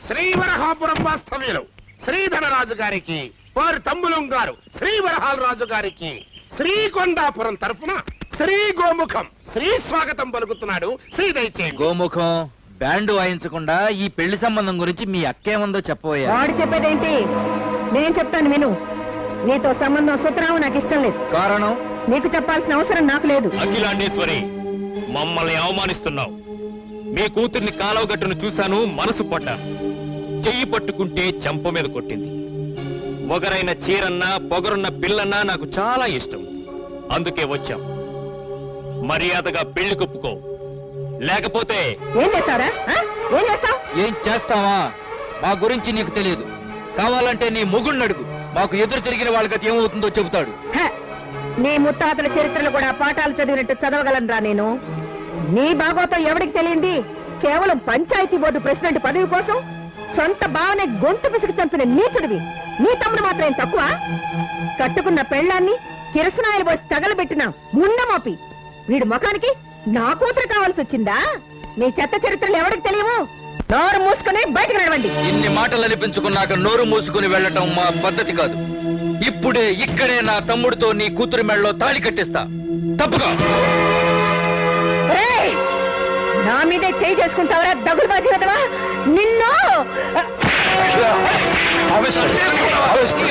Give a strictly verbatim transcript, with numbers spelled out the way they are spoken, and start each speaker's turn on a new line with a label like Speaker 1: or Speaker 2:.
Speaker 1: శ్రీవరహాపురం వాస్తవ్యులు శ్రీధరరాజు గారికి, వారి తమ్ములం గారు శ్రీవరహాల రాజు గారికి శ్రీకొండాపురం తరఫున శ్రీ గోముఖం శ్రీ స్వాగతం పలుకుతున్నాడు. శ్రీ దయచేయండి.
Speaker 2: గోముఖం బ్యాండ్ వాయించకుండా ఈ పెళ్లి సంబంధం గురించి మీ అక్కేముందో చెప్పబోయా.
Speaker 3: వాడు చెప్పేదేంటి? నేను చెప్తాను విను. నీతో సంబంధం సుతరావు నాకు ఇష్టం లేదు.
Speaker 2: కారణం?
Speaker 3: నీకు చెప్పాల్సిన అవసరం నాకు లేదు.
Speaker 4: అఖిలాండేశ్వరి, మమ్మల్ని అవమానిస్తున్నావు. మీ కూతుర్ని కాలువ గట్టును చూశాను, మనసు పడ్డాను. చెయ్యి పట్టుకుంటే చెంప మీద కొట్టింది. మొగరైన చీరన్నా పొగరున్న పిల్లన్నా నాకు చాలా ఇష్టం. అందుకే వచ్చాం. మర్యాదగా పెళ్లి కొప్పుకో, లేకపోతే
Speaker 3: ఏం చేస్తారా? ఏం చేస్తావు?
Speaker 2: ఏం చేస్తావా? మా గురించి నీకు తెలియదు. కావాలంటే నీ మొగుణ్ణి అడుగు. మాకు ఎదురు తిరిగిన వాళ్ళకి ఏమవుతుందో చెబుతాడు.
Speaker 3: నీ ముత్తాతల చరిత్రలు కూడా పాఠాలు చదివినట్టు చదవగలనరా నేను. నీ భాగవతం ఎవరికి తెలియంది? కేవలం పంచాయతీ బోర్డు ప్రెసిడెంట్ పదవి కోసం సొంత భావనే గొంతు పిసికి చంపిన నీచుడివి. నీ తమ్ముడు మాత్రం తక్కువ? కట్టుకున్న పెళ్లాన్ని కిరసనాయలు పోసి తగలబెట్టిన ముండమోపి వీడి ముఖానికి నా కూతురు కావాల్సి వచ్చిందా? మీ చెత్త చరిత్రలు ఎవరికి తెలియవు? నోరు మూసుకుని బయటకు నడవండి.
Speaker 2: ఇన్ని మాటలు అనిపించుకున్నాక నోరు మూసుకుని వెళ్ళటం మా పద్ధతి కాదు. ఇప్పుడే ఇక్కడే నా తమ్ముడితో నీ కూతురి మెడలో తాళి కట్టిస్తా. తప్పుగా
Speaker 3: నా మీదే చేయి చేసుకుంటావరా దగులు బాజీ కదవా నిన్ను.